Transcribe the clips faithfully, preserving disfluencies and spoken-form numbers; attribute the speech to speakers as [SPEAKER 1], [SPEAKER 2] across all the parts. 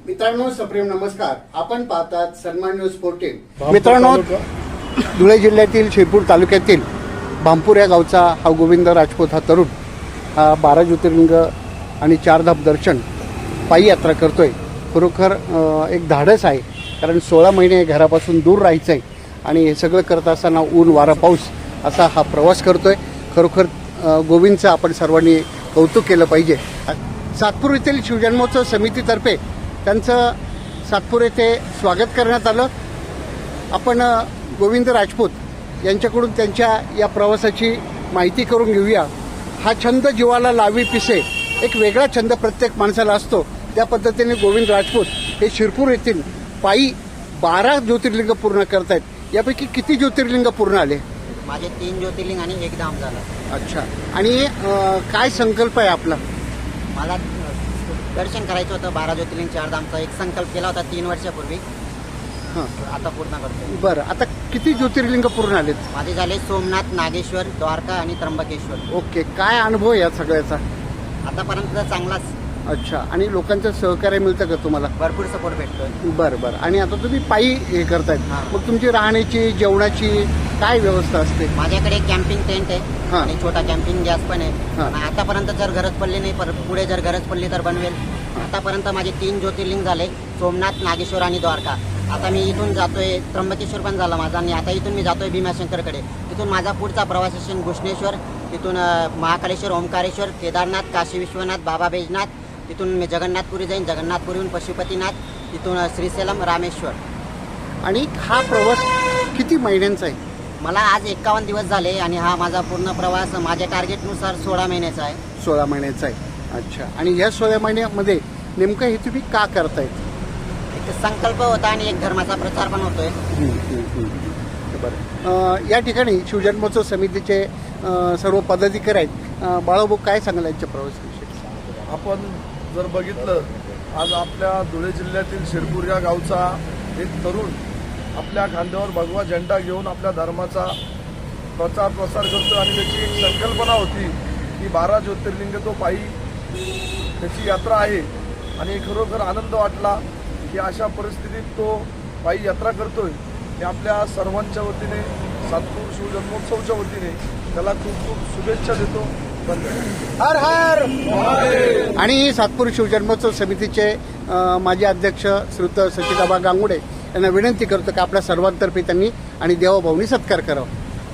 [SPEAKER 1] मित्रांनो, सप्रेम नमस्कार. आपण पाहतात सन्मान न्यूज फोर्टीन. मित्रांनो, धुळे जिल्ह्यातील शिरपूर तालुक्यातील भामपूर या गावचा हा गोविंद राजपूत हा तरुण हा बारा ज्योतिर्लिंग आणि चारधाम दर्शन पायी यात्रा करतोय. खरोखर एक धाडस आहे, कारण सोळा महिने घरापासून दूर राहायचं आहे आणि हे सगळं करत असताना ऊन वारा पाऊस असा हा प्रवास करतोय. खरोखर गोविंदचं आपण सर्वांनी कौतुक केलं पाहिजे. सातपूर येथील शिवजन्मोत्सव समितीतर्फे त्यांचं सातपूर येथे स्वागत करण्यात आलं. आपण गोविंद राजपूत यांच्याकडून त्यांच्या या प्रवासाची माहिती करून घेऊया. हा छंद जीवाला लावी पिसे, एक वेगळा छंद प्रत्येक माणसाला असतो. त्या पद्धतीने गोविंद राजपूत हे शिरपूर येथील पायी बारा ज्योतिर्लिंग पूर्ण करतायत. यापैकी किती ज्योतिर्लिंग पूर्ण आले?
[SPEAKER 2] माझे तीन ज्योतिर्लिंग आणि एक धाम झाला.
[SPEAKER 1] अच्छा. आणि काय संकल्प आहे आपला?
[SPEAKER 2] मला दर्शन करायचं होतं बारा ज्योतिर्लिंग चार धामचा एक संकल्प केला होता तीन वर्षापूर्वी.
[SPEAKER 1] हां,
[SPEAKER 2] आता पूर्ण करतो.
[SPEAKER 1] बरं, आता किती ज्योतिर्लिंग पूर्ण आलेत?
[SPEAKER 2] माझे झाले सोमनाथ, नागेश्वर, द्वारका आणि त्र्यंबकेश्वर.
[SPEAKER 1] ओके. काय अनुभव या सगळ्याचा?
[SPEAKER 2] आतापर्यंत चांगलाच.
[SPEAKER 1] अच्छा. आणि लोकांचं सहकार्य मिळतं का तुम्हाला?
[SPEAKER 2] भरपूर सपोर्ट भेटतोय.
[SPEAKER 1] बरं बरं. आणि आता तुम्ही पायी हे करतायत,
[SPEAKER 2] हां.
[SPEAKER 1] मग तुमची राहण्याची जेवणाची काय व्यवस्था असते?
[SPEAKER 2] माझ्याकडे कॅम्पिंग टेंट आहे
[SPEAKER 1] हां.
[SPEAKER 2] आणि छोटा कॅम्पिंग गॅस पण आहे.
[SPEAKER 1] हां.
[SPEAKER 2] आणि आतापर्यंत जर गरज पडली नाही, पर पुढे जर गरज पडली तर बनवेल. आतापर्यंत माझे तीन ज्योतिर्लिंग झाले, सोमनाथ, नागेश्वर आणि द्वारका. आता मी इथून जातोय, त्र्यंबकेश्वर पण झाला माझा, आणि आता इथून मी जातोय भीमाशंकरकडे. तिथून माझा पुढचा प्रवास असेल घुष्णेश्वर, तिथून महाकालेश्वर, ओंकारेश्वर, केदारनाथ, काशी विश्वनाथ, बाबा बैजनाथ. तिथून मी जगन्नाथपुरी जाईन, जगन्नाथपुरीहून पशुपतीनाथ, तिथून श्रीशैलम, रामेश्वर.
[SPEAKER 1] आणि हा प्रवास किती महिन्यांचा आहे?
[SPEAKER 2] मला आज एक्कावन्न दिवस झाले आणि हा माझा पूर्ण प्रवास माझ्या टार्गेटनुसार सोळा महिन्याचा आहे.
[SPEAKER 1] सोळा महिन्याचा आहे. अच्छा. आणि या सोळा महिन्यामध्ये नेमकं हे तुम्ही का करतायत?
[SPEAKER 2] एक संकल्प होता आणि एक धर्माचा प्रचार पण होतोय.
[SPEAKER 1] बरं. या ठिकाणी शिवजन्मोत्सव समितीचे सर्व पदाधिकारी आहेत. बाळाभाऊ, काय सांगाल यांच्या प्रवासाविषयी?
[SPEAKER 3] आपण जर बघितलं, आज आपल्या धुळे जिल्ह्यातील शिरपूर या गावचा एक तरुण आपल्या खांद्यावर भगवा झेंडा घेऊन आपल्या धर्माचा प्रचार प्रसार करतो. आणि त्याची एक संकल्पना होती की बारा ज्योतिर्लिंग तो पायी त्याची यात्रा आहे. आणि खरोखर आनंद वाटला की अशा परिस्थितीत तो पायी यात्रा करतोय. मी आपल्या सर्वांच्या वतीने, सातपूर शिवजन्मोत्सवच्या वतीने त्याला खूप खूप शुभेच्छा देतो.
[SPEAKER 1] हर हर. आणि सातपूर शिवजन्मोत्सव समितीचे माजी अध्यक्ष श्रीयुत सचिदाबा गांगुडे यांना विनंती करतो की आपल्या सर्वांतर्फे त्यांनी आणि देवाभाऊनी सत्कार करावा.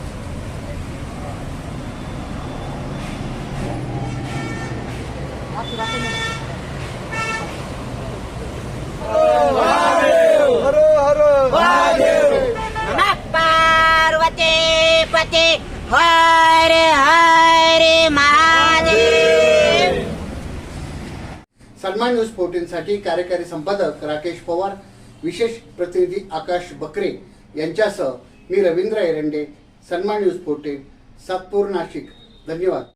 [SPEAKER 2] पार्वती पते हर हर महादेव.
[SPEAKER 1] सन्मान न्यूज फोर्टीन साठी कार्यकारी संपादक राकेश पवार, विशेष प्रतिनिधी आकाश बकरे यांच्यासह मी रवींद्र एरंडे. सन्मान न्यूज फोर्टीन, सातपूर, नाशिक. धन्यवाद.